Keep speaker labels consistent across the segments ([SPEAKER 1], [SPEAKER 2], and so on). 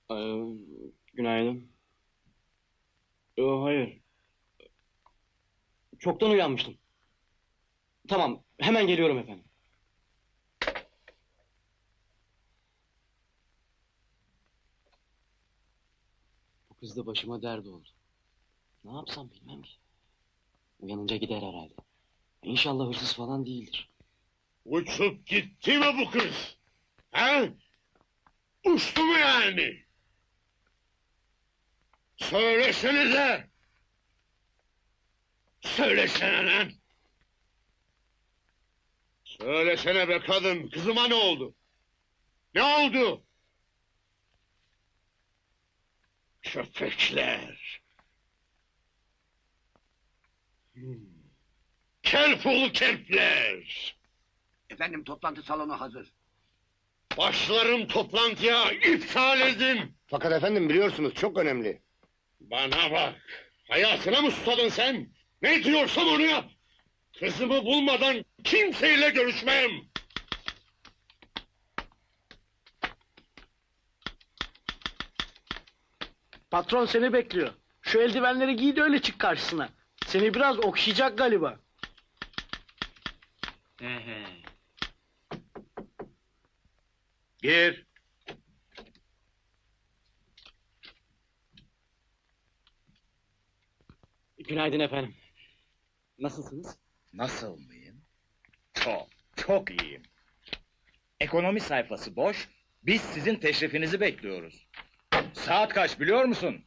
[SPEAKER 1] Ee, Günaydın. Hayır. Çoktan uyanmıştım. Tamam, hemen geliyorum efendim. Bu kız da başıma dert oldu. Ne yapsam bilmem ki. Uyanınca gider herhalde. İnşallah hırsız falan değildir.
[SPEAKER 2] Uçup gitti mi bu kız? He? Uçtu mu yani? Söylesenize! Söylesene lan! Söylesene be kadın, kızıma ne oldu? Ne oldu? Köpekler! Kelpul kelpler!
[SPEAKER 3] Efendim toplantı salonu hazır.
[SPEAKER 2] Başlarım toplantıya, iptal edin!
[SPEAKER 4] Fakat efendim biliyorsunuz çok önemli.
[SPEAKER 2] Bana bak! Hayatına mı susadın sen? Ne diyorsam onu yap! Kızımı bulmadan kimseyle görüşmem!
[SPEAKER 5] Patron seni bekliyor. Şu eldivenleri giy de öyle çık karşısına. Seni biraz okşayacak galiba.
[SPEAKER 2] Gir!
[SPEAKER 1] Günaydın efendim. Nasılsınız?
[SPEAKER 6] Nasıl mıyım? Çok iyiyim. Ekonomi sayfası boş, biz sizin teşrifinizi bekliyoruz. Saat kaç biliyor musun?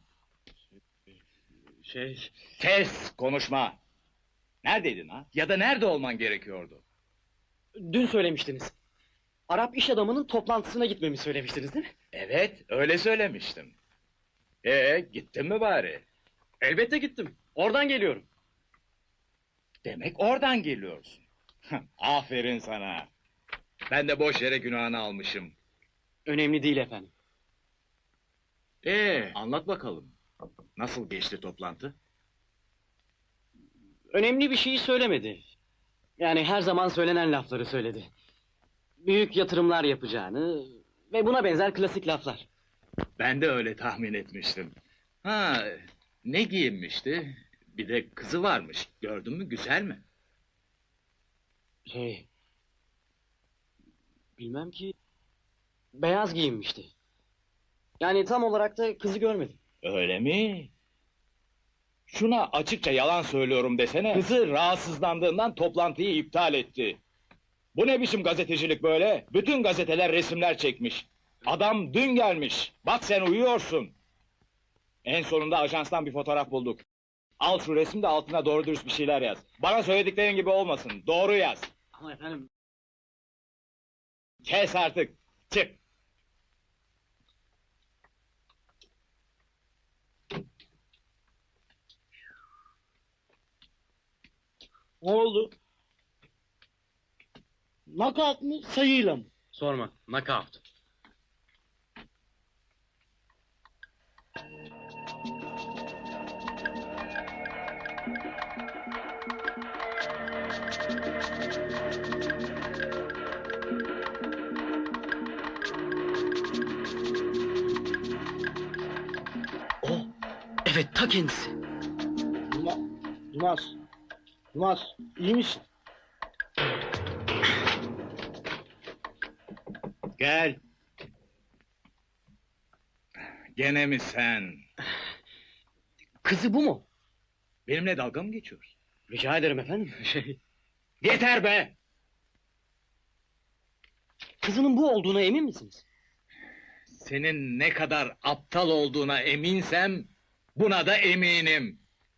[SPEAKER 6] Kes, konuşma! Neredeydin ha? Ya da nerede olman gerekiyordu?
[SPEAKER 1] Dün söylemiştiniz. Arap iş adamının toplantısına gitmemi söylemiştiniz değil mi?
[SPEAKER 6] Evet, öyle söylemiştim. Gittin mi bari?
[SPEAKER 1] Elbette gittim. Oradan geliyorum.
[SPEAKER 6] Demek oradan geliyorsun. Aferin sana. Ben de boş yere günahını almışım.
[SPEAKER 1] Önemli değil efendim.
[SPEAKER 6] Anlat bakalım. Nasıl geçti toplantı?
[SPEAKER 1] Önemli bir şeyi söylemedi. Yani her zaman söylenen lafları söyledi. Büyük yatırımlar yapacağını ve buna benzer klasik laflar.
[SPEAKER 6] Ben de öyle tahmin etmiştim. Ha, ne giyinmişti? Bir de kızı varmış. Gördün mü, güzel mi?
[SPEAKER 1] Bilmem ki, beyaz giyinmişti. Yani tam olarak da kızı görmedim.
[SPEAKER 6] Öyle mi? Şuna açıkça yalan söylüyorum desene. Kızı rahatsızlandığından toplantıyı iptal etti. Bu ne biçim gazetecilik böyle? Bütün gazeteler resimler çekmiş. Adam dün gelmiş. Bak sen uyuyorsun. En sonunda ajanstan bir fotoğraf bulduk. Al şu resmi de altına doğru dürüst bir şeyler yaz. Bana söylediklerin gibi olmasın. Doğru yaz.
[SPEAKER 1] Ama efendim...
[SPEAKER 6] Kes artık. Çık.
[SPEAKER 5] Ne oldu? Knockout mı sayıyla mı?
[SPEAKER 1] Sorma, knockout. O, evet ta kendisi.
[SPEAKER 5] Yılmaz. Yılmaz iyi misin?
[SPEAKER 6] Gel. Gene mi sen?
[SPEAKER 1] Kızı bu mu?
[SPEAKER 6] Benimle dalga mı geçiyorsun?
[SPEAKER 1] Rica ederim efendim.
[SPEAKER 6] Yeter be!
[SPEAKER 1] Kızının bu olduğuna emin misiniz?
[SPEAKER 6] Senin ne kadar aptal olduğuna eminsem, buna da eminim.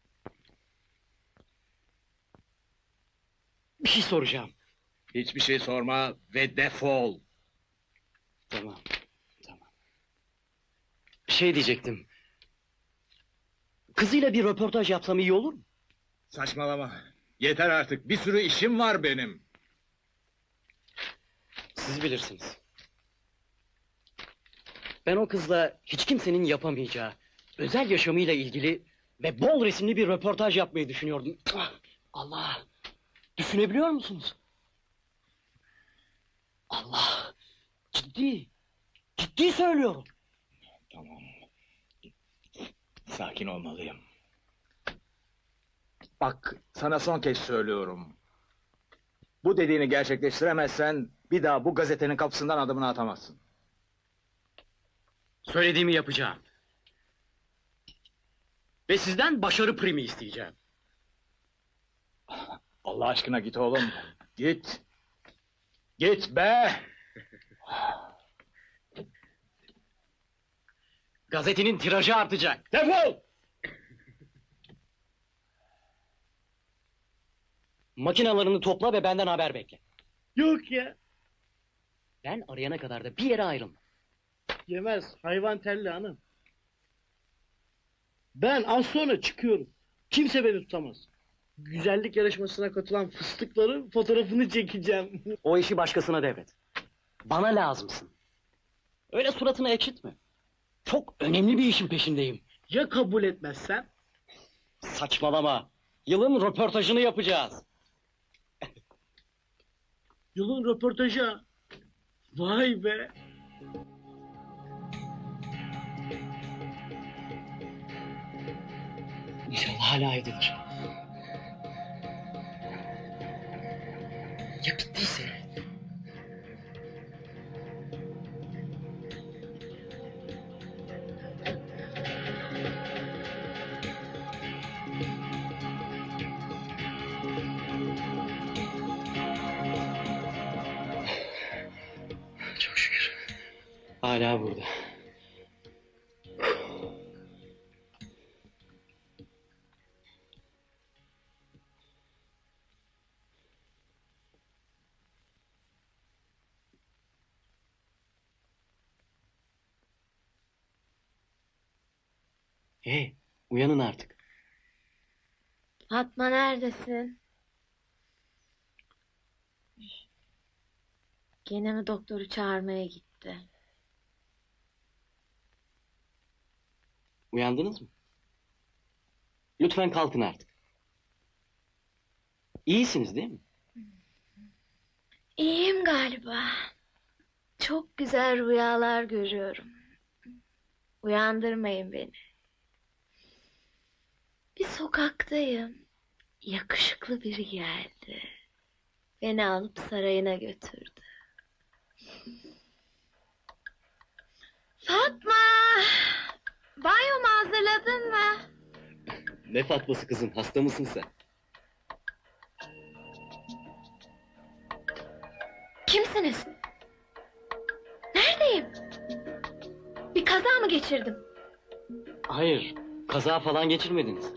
[SPEAKER 1] Bir şey soracağım.
[SPEAKER 6] Hiçbir şey sorma ve defol.
[SPEAKER 1] Tamam, tamam. Bir şey diyecektim. Kızıyla bir röportaj yapsam iyi olur mu?
[SPEAKER 6] Saçmalama. Yeter artık, bir sürü işim var benim.
[SPEAKER 1] Siz bilirsiniz. Ben o kızla hiç kimsenin yapamayacağı, özel yaşamıyla ilgili ve bol resimli bir röportaj yapmayı düşünüyordum. Ah, Allah! Düşünebiliyor musunuz? Allah! Ciddi! Ciddi söylüyorum!
[SPEAKER 6] Tamam. Sakin olmalıyım. Bak, sana son kez söylüyorum. Bu dediğini gerçekleştiremezsen bir daha bu gazetenin kapısından adımını atamazsın.
[SPEAKER 1] Söylediğimi yapacağım. Ve sizden başarı primi isteyeceğim.
[SPEAKER 6] Allah aşkına git oğlum. Git. Git be!
[SPEAKER 1] Gazetenin tirajı artacak.
[SPEAKER 6] Defol!
[SPEAKER 1] Makinalarını topla ve benden haber bekle.
[SPEAKER 5] Yok ya.
[SPEAKER 1] Ben arayana kadar da bir yere ayrılma.
[SPEAKER 5] Yemez. Hayvan telli hanım. Ben az sonra çıkıyorum. Kimse beni tutamaz. Güzellik yarışmasına katılan fıstıkların fotoğrafını çekeceğim.
[SPEAKER 1] O işi başkasına devret. Bana lazımsın. Öyle suratını ekşitme. Çok önemli bir işin peşindeyim.
[SPEAKER 5] Ya kabul etmezsen?
[SPEAKER 1] Saçmalama. Yılın röportajını yapacağız.
[SPEAKER 5] Yılın röportajı ha. Vay be.
[SPEAKER 1] İnşallah hala evdedir. Ya gittiyse? Çok şükür. Hala burada. Hey, uyanın artık.
[SPEAKER 7] Fatma neredesin? Gene mi doktoru çağırmaya gitti?
[SPEAKER 1] Uyandınız mı? Lütfen kalkın artık. İyisiniz değil mi?
[SPEAKER 7] İyiyim galiba. Çok güzel rüyalar görüyorum. Uyandırmayın beni. Bir sokaktayım. Yakışıklı biri geldi. Beni alıp sarayına götürdü. Fatma! Banyomu hazırladın mı?
[SPEAKER 1] Ne Fatması kızım, hasta mısın sen?
[SPEAKER 7] Kimsiniz? Neredeyim? Bir kaza mı geçirdim?
[SPEAKER 1] Hayır, kaza falan geçirmediniz.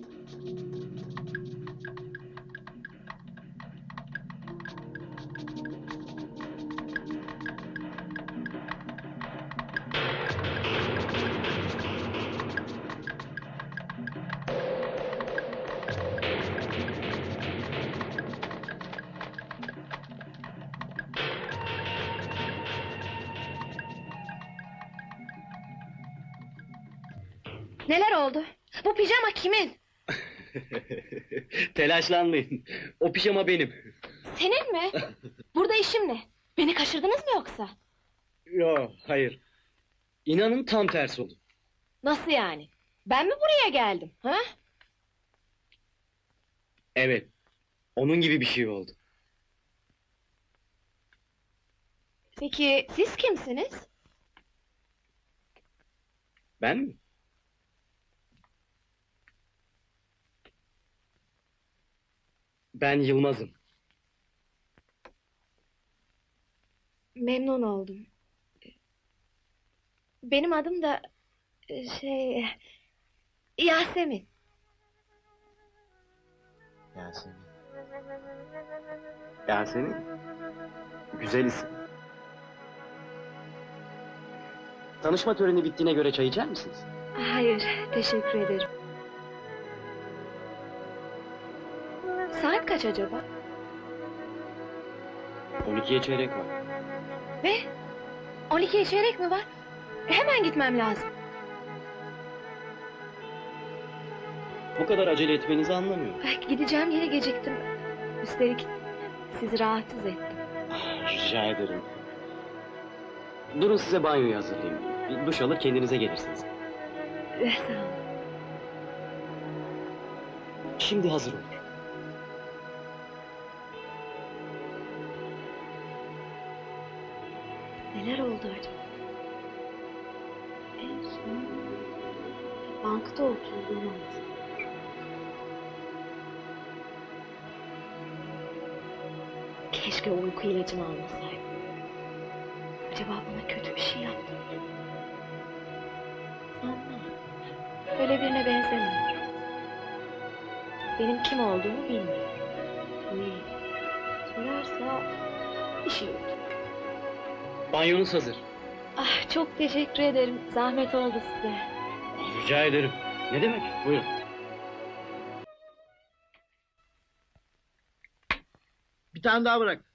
[SPEAKER 7] Neler oldu? Bu pijama kimin?
[SPEAKER 1] Telaşlanmayın, o pijama benim.
[SPEAKER 7] Senin mi? Burada işim ne? Beni kaçırdınız mı yoksa?
[SPEAKER 1] Yo, hayır. İnanın tam tersi oldu.
[SPEAKER 7] Nasıl yani? Ben mi buraya geldim? Ha?
[SPEAKER 1] Evet, onun gibi bir şey oldu.
[SPEAKER 7] Peki siz kimsiniz?
[SPEAKER 1] Ben mi? Ben Yılmaz'ım.
[SPEAKER 7] Memnun oldum. Benim adım da Yasemin.
[SPEAKER 1] Yasemin. Yasemin? Güzel isim. Tanışma töreni bittiğine göre çay içer misiniz?
[SPEAKER 7] Hayır, teşekkür ederim. Saat kaç acaba?
[SPEAKER 1] 12'ye çeyrek var.
[SPEAKER 7] Ne? 12'ye çeyrek mi var? Hemen gitmem lazım.
[SPEAKER 1] Bu kadar acele etmenizi anlamıyorum.
[SPEAKER 7] Gideceğim yere geciktim. Üstelik sizi rahatsız ettim.
[SPEAKER 1] Rica ederim. Durun size banyoyu hazırlayayım. Duş alır kendinize gelirsiniz.
[SPEAKER 7] Sağ ol.
[SPEAKER 1] Şimdi hazır olur.
[SPEAKER 7] Neler oldu acaba? En son bankta oturduğumu hatırlıyorum. Keşke uyku ilacımı almasaydım. Acaba bana kötü bir şey yaptı mı? Sanmam. Öyle birine benzemiyor. Benim kim olduğumu bilmiyor. İyi. Sorarsa bir şey yok.
[SPEAKER 1] Banyonuz hazır.
[SPEAKER 7] Ah, çok teşekkür ederim. Zahmet oldu size.
[SPEAKER 1] Rica ederim. Ne demek? Buyurun.
[SPEAKER 5] Bir tane daha bırak.